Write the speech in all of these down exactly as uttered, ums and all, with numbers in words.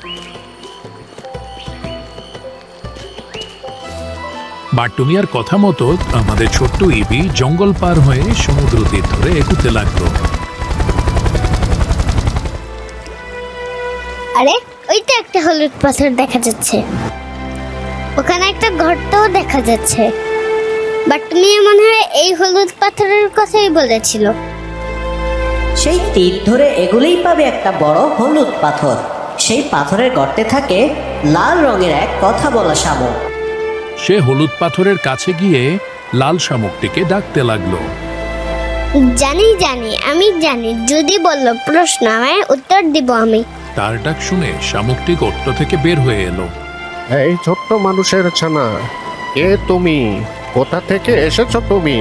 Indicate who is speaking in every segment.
Speaker 1: বাট্টুমিয়ার কথা মতো আমাদের ছোট্ট ইবি জঙ্গল পার হয়ে সমুদ্র তীর ধরে এগুতে লাগলো।
Speaker 2: আরে ওইটা একটা হলুদ পাথর দেখা যাচ্ছে, ওখানে একটা ঘরটাও দেখা যাচ্ছে। বাট্টুমিয়া মনে হয় এই হলুদ পাথরের কথাই বলেছিল।
Speaker 3: সেই তীর ধরে এগুলেই পাবে একটা বড় হলুদ পাথর। সেই পাথরের গর্তে থাকে লাল রঙের এক কথা বলা শামুক।
Speaker 1: সে হলুদ পাথরের কাছে গিয়ে লাল শামুকটিকে ডাকতে লাগলো।
Speaker 2: জানি জানি আমি জানি, যদি বললো প্রশ্ন আমায় উত্তর দিব আমি।
Speaker 1: তার ডাক শুনে শামুকটি গর্ত থেকে বের হয়ে এলো।
Speaker 4: এই ছোট্ট মানুষের ছানা, কে তুমি? কোথা থেকে এসেছো তুমি?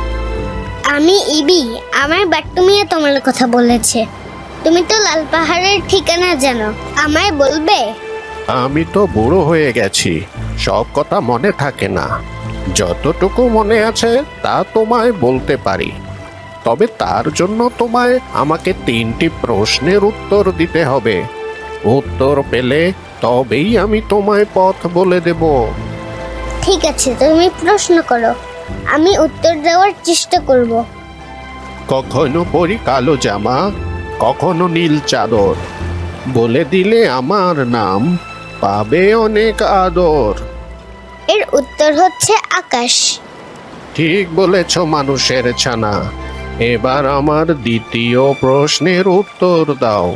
Speaker 2: আমি ইবি, আমার বাট্টুমিয়া তোমার কথা বলেছে। তুমি তো লাল পাহাড়ের ঠিকানা জানো, আমায় বলবে?
Speaker 4: আমি তো বুড়ো হয়ে গেছি, সব কথা মনে থাকে না। যতটুকু মনে আছে তা তোমায় বলতে পারি। তবে তার জন্য তোমায় আমাকে তিনটি প্রশ্নের উত্তর দিতে হবে। উত্তর পেলে তবেই আমি তোমায় পথ বলে দেব।
Speaker 2: ঠিক আছে, তুমি প্রশ্ন করো, আমি উত্তর দেওয়ার চেষ্টা করব।
Speaker 4: কখনো পরি কালো জামা, কখনো নীল চাদর, বলে দিলে আমার নাম, পাবে অনেক আদর।
Speaker 2: এর উত্তর হচ্ছে আকাশ।
Speaker 4: ঠিক বলেছ মানুষের ছানা। এবার আমার দ্বিতীয় প্রশ্নের উত্তর দাও।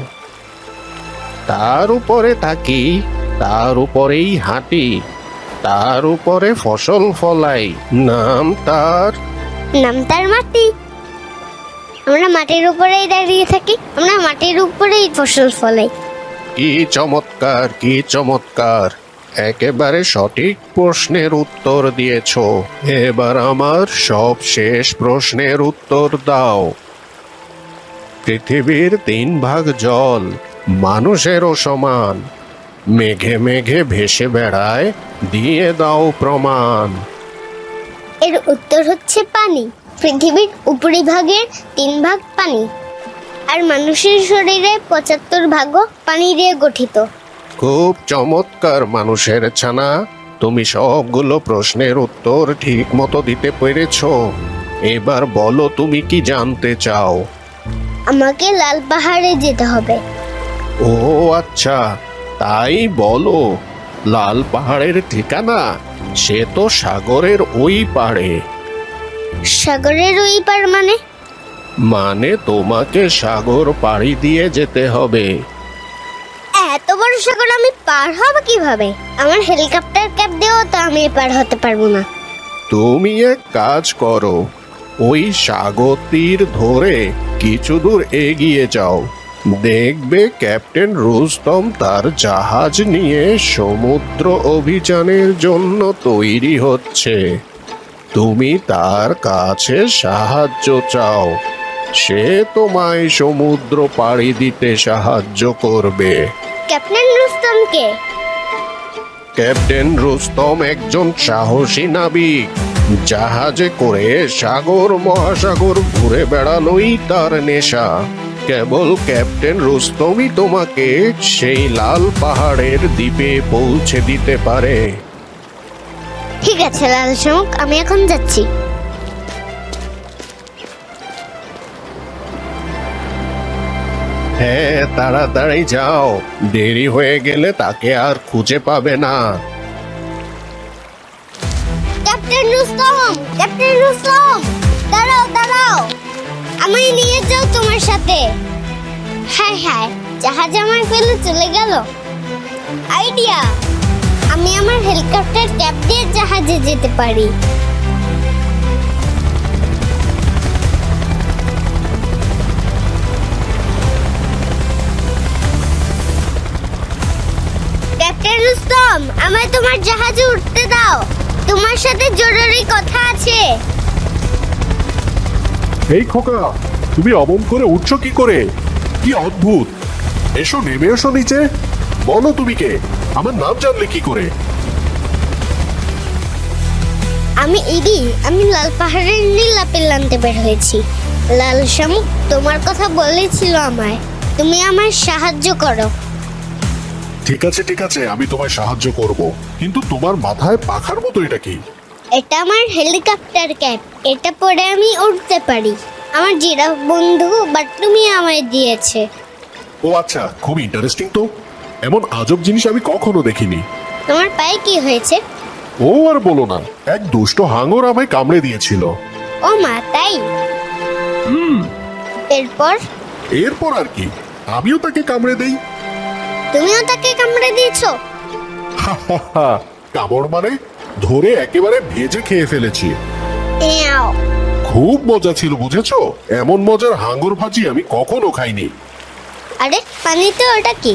Speaker 4: তার উপরে থাকি, তার উপরেই হাঁটি, তার উপরে ফসল ফলাই, নাম তার?
Speaker 2: নাম তার মাটি। আমরা মাটির উপরেই দাঁড়িয়ে থাকি, আমরা মাটির উপরেই ফসল ফলাই।
Speaker 4: কি চমৎকার, কি চমৎকার! একেবারে সঠিক প্রশ্নের উত্তর দিয়েছ। এবার আমার সব শেষ প্রশ্নের উত্তর দাও। পৃথিবীর তিন ভাগ জল, মানুষেরও সমান, মেঘে মেঘে ভেসে বেড়ায়, দিয়ে দাও প্রমাণ।
Speaker 2: এর উত্তর হচ্ছে পানি। পৃথিবীর উপরিভাগের তিন ভাগ পানি, আর মানুষের শরীরে পঁচাত্তর ভাগও পানি দিয়ে গঠিত।
Speaker 4: খুব চমৎকার মানুষের ছানা, তুমি সবগুলো প্রশ্নের উত্তর ঠিক মতো দিতে পেরেছ। এবার বলো তুমি কি জানতে চাও?
Speaker 2: আমাকে লাল পাহাড়ে যেতে হবে।
Speaker 4: ও আচ্ছা, তাই বলো। লাল পাহাড়ের ঠিকানা? সে তো সাগরের ওই পাড়ে।
Speaker 2: সাগরের ওই পার মানে?
Speaker 4: মানে তোমাকে সাগর পাড়ি দিয়ে যেতে হবে।
Speaker 2: এত বড় সাগর আমি পার হব কিভাবে? আমার হেলিকপ্টার ক্যাব দিয়েও তো আমি পার হতে পারবো না।
Speaker 4: তুমি এক কাজ করো, ওই সাগর তীর ধরে কিছু দূর এগিয়ে যাও। দেখবে ক্যাপ্টেন রুস্তম তার জাহাজ নিয়ে সমুদ্র অভিযানের জন্য তৈরি হচ্ছে। তুমি তার কাছে সাহায্য চাও, সে তোমায় সমুদ্র পাড়ি দিতে সাহায্য করবে।
Speaker 2: ক্যাপ্টেন রুস্তমকে?
Speaker 4: ক্যাপ্টেন রুস্তম একজন সাহসী নাবিক। জাহাজে করে সাগর মহাসাগর ঘুরে বেড়ানোই তার নেশা। কেবল ক্যাপ্টেন রুস্তমই তোমাকে সেই লাল পাহাড়ের দ্বীপে পৌঁছে দিতে পারে।
Speaker 2: ঠিক আছে লাল শামুক, আমি এখন যাচ্ছি।
Speaker 4: হ্যাঁ, তাড়াতাড়ি যাও, দেরি হয়ে গেলে তাকে আর খুঁজে পাবে না।
Speaker 2: ক্যাপ্টেন রুস্তম, ক্যাপ্টেন রুস্তম, দাঁড়াও দাঁড়াও, আমায় নিয়ে যাও তোমার সাথে। হ্যাঁ হ্যাঁ, জাহাজ আমায় ফেলে চলে গেল। আইডিয়া, আমি আমার হেলিকপ্টার ক্যাব দিয়ে জাহাজে যেতে পারি। ক্যাপ্টেন রুস্তম, আমায় তোমার জাহাজে উঠতে দাও, তোমার সাথে জরুরি কথা আছে।
Speaker 5: এই খোকা, তুমি অমন করে উঠছো কি করে? কি অদ্ভুত! এসো, নেমে এসো নিচে। বলো তুমি কে? আমার নাম জানলে কি করে?
Speaker 2: আমি ইডি, আমি লাল পাহাড়ের নীল আপেল আনতে বের হয়েছি। লাল শামুক তোমার কথা বলেছিল আমায়, তুমি আমায় সাহায্য করো।
Speaker 5: ঠিক আছে ঠিক আছে, আমি তোমায় সাহায্য করব, কিন্তু তোমার মাথায় পাখার মতো এটা কি?
Speaker 2: এটা আমার হেলিকপ্টার ক্যাপ। এটা পরে আমি উড়তে পারি। আমার জিরাফ বন্ধু বাট্টুমি আমায় দিয়েছে।
Speaker 5: ও আচ্ছা, খুব ইন্টারেস্টিং তো। এমন আজব জিনিস আমি কখনো দেখিনি।
Speaker 2: তোমার পায়ে কি হয়েছে?
Speaker 5: ও আর বলো না, এক দুষ্ট হাঙর আমায় কামড়ে দিয়েছিল।
Speaker 2: ও মা, তাই? এরপর?
Speaker 5: এরপর আর কি, আমিও তাকে কামড়ে দেই।
Speaker 2: তুমিও তাকে কামড়ে দিয়েছো?
Speaker 5: কামড় মানে ধরে একেবারে ভেজে খেয়ে ফেলেছি।
Speaker 2: এও,
Speaker 5: খুব মজা ছিল, বুঝেছো? এমন মজার হাঙ্গর ভাজি আমি কখনো খাইনি।
Speaker 2: আরে পানিতে ওটা কি?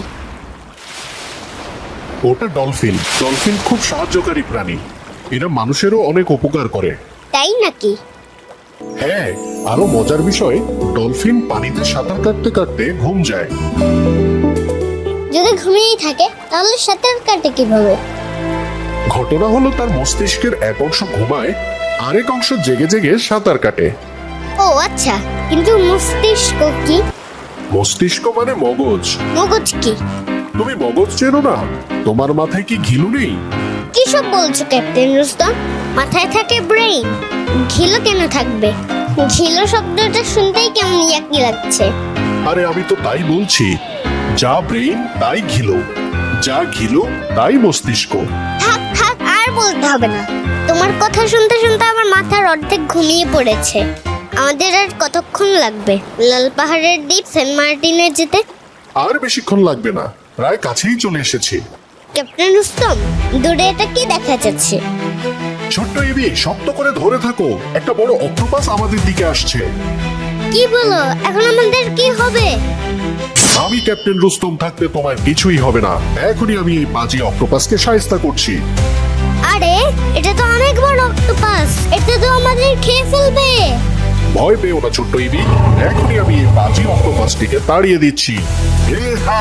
Speaker 5: ওটা ডলফিন। ডলফিন খুব সাহায্যকারী প্রাণী। এরা মানুষেরও অনেক উপকার করে।
Speaker 2: তাই নাকি?
Speaker 5: হ্যাঁ, আরো মজার বিষয়, ডলফিন পানিতে সাঁতার কাটতে কাটতে ঘুম যায়।
Speaker 2: যদি ঘুমিয়েই থাকে তাহলে সাঁতার কাটে কিভাবে?
Speaker 5: ঘটনা হলো তার মস্তিষ্কের এক অংশ ঘুমায়, আরেক অংশ জেগে জেগে সাঁতার কাটে।
Speaker 2: ও আচ্ছা, কিন্তু মস্তিষ্ক কি?
Speaker 5: মস্তিষ্ক মানে মগজ।
Speaker 2: মগজ কি?
Speaker 5: তুমি মগজ চেনো না? তোমার মাথায় কি ঘিলু নেই?
Speaker 2: কি সব বলছো ক্যাপ্টেন রুস্তম? মাথায় থাকে ব্রেইন, ঘিলো কেন থাকবে? ঘিলো শব্দটা শুনতেই কেমন ইয়াকি লাগছে।
Speaker 5: আরে আমি তো তাই বলছি, যা ব্রেইন তাই ঘিলু, যা ঘিলু তাই মস্তিষ্ক।
Speaker 2: থাক থাক, আর বলতে হবে না। তোমার কথা শুনতে শুনতে আমার মাথার অর্ধেক ঘুমিয়ে পড়েছে। আমাদের আর কতক্ষণ লাগবে লাল পাহাড়ের দ্বীপ সেন্ট মার্টিনে যেতে?
Speaker 5: আর বেশিক্ষণ লাগবে না, প্রায় কাছেই চলে এসেছি।
Speaker 2: ক্যাপ্টেন রুস্তম, দূরে এটা কি দেখা যাচ্ছে?
Speaker 5: ছোট্ট এবি, শক্ত করে ধরে থাকো, একটা বড় অক্টোপাস আমাদের দিকে আসছে।
Speaker 2: কি বলো? এখন আমাদের কি হবে?
Speaker 5: আমি ক্যাপ্টেন রুস্তম থাকতে তোমার কিছুই হবে না। এখনই আমি এই বাজি অক্টোপাসকে শায়েস্তা করছি।
Speaker 2: আরে এটা তো অনেক বড় অক্টোপাস, এটা তো আমাদের খেয়ে ফেলবে।
Speaker 5: ভয় পেও না ছোট্ট ইবি, এখনই আমি এই বাজি অক্টোপাসটিকে তাড়িয়ে দিচ্ছি। এহা!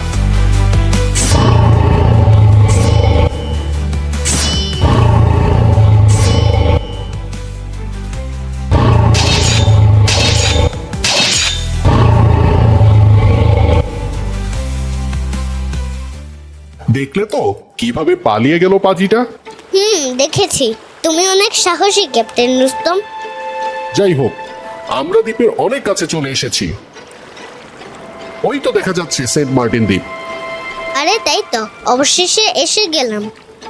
Speaker 5: দেখলে তো কিভাবে পালিয়ে গেল পাজিটা।
Speaker 2: হুম, দেখেছি। তুমি অনেক সাহসী ক্যাপ্টেন রুস্তম।
Speaker 5: যাই হোক, আমরা দ্বীপের অনেক কাছে চলে এসেছি। ওই তো দেখা যাচ্ছে সেন্ট মার্টিন দ্বীপ।
Speaker 2: আরে তাই তো, অবশেষে এসে গেলাম।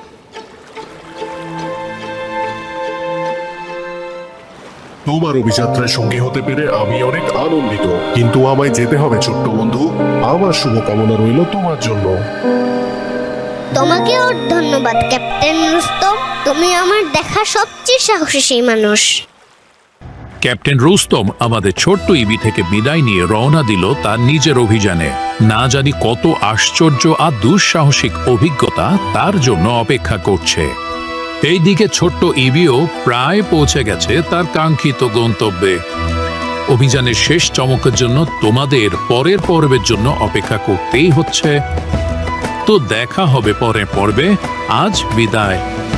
Speaker 5: তোমার অভিযাত্রায় সঙ্গী হতে পেরে আমি অনেক আনন্দিত, কিন্তু আমায় যেতে হবে ছোট্ট বন্ধু। আমার শুভকামনা রইল তোমার জন্য।
Speaker 2: তোমাকেও ধন্যবাদ ক্যাপ্টেন রুস্তম। তুমি আমার দেখা সবচেয়ে সাহসী মানুষ।
Speaker 1: ক্যাপ্টেন রুস্তম আমাদের ছোট্ট ইবি থেকে বিদায় নিয়ে রওনা দিল তার নিজের অভিযানে। না জানি কত আশ্চর্য আর দুঃসাহসিক অভিজ্ঞতা তার জন্য অপেক্ষা করছে। এইদিকে ছোট্ট ইবিও প্রায় পৌঁছে গেছে তার কাঙ্ক্ষিত গন্তব্যে। অভিযানের শেষ চমকের জন্য তোমাদের পরের পর্বের জন্য অপেক্ষা করতেই হচ্ছে। তো দেখা হবে পরের পর্বে। আজ বিদায়।